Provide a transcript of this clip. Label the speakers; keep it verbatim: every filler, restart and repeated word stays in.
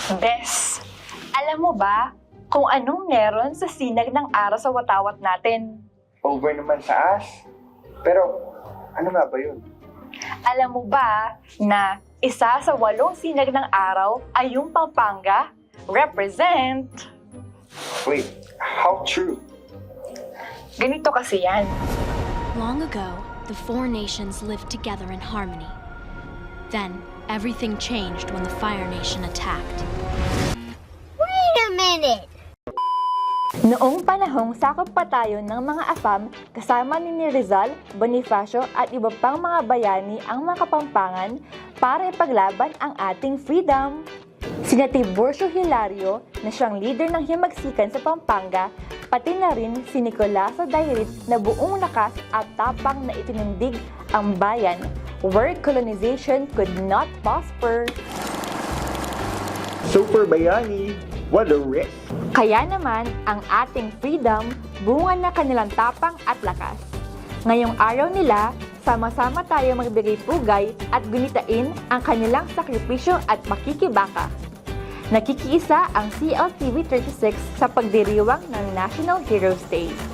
Speaker 1: Bes, alam mo ba kung anong meron sa sinag ng araw sa watawat natin?
Speaker 2: Over naman sa as. Pero, ano nga ba yun?
Speaker 1: Alam mo ba na isa sa walong sinag ng araw ay yung Pampanga? Represent!
Speaker 2: Wait, how true?
Speaker 1: Ganito kasi yan.
Speaker 3: Long ago, the four nations lived together in harmony. Then, everything changed when the Fire Nation attacked.
Speaker 4: Wait a minute!
Speaker 1: Noong panahong sakop pa tayo ng mga Afam, kasama ni Rizal, Bonifacio at iba pang mga bayani ang mga Kapampangan para ipaglaban ang ating freedom. Sina Tiburcio Hilario na siyang leader ng himagsikan sa Pampanga, pati na rin si Nicolaso Dairit na buong lakas at tapang na itinindig ang bayan, where colonization could not prosper.
Speaker 2: Super Bayani, what a risk!
Speaker 1: Kaya naman, ang ating freedom, bunga na kanilang tapang at lakas. Ngayong araw nila, sama-sama tayo magbigay pugay at gunitain ang kanilang sakripisyo at makikibaka. Nakikiisa ang C L T V thirty-six sa pagdiriwang ng National Heroes Day.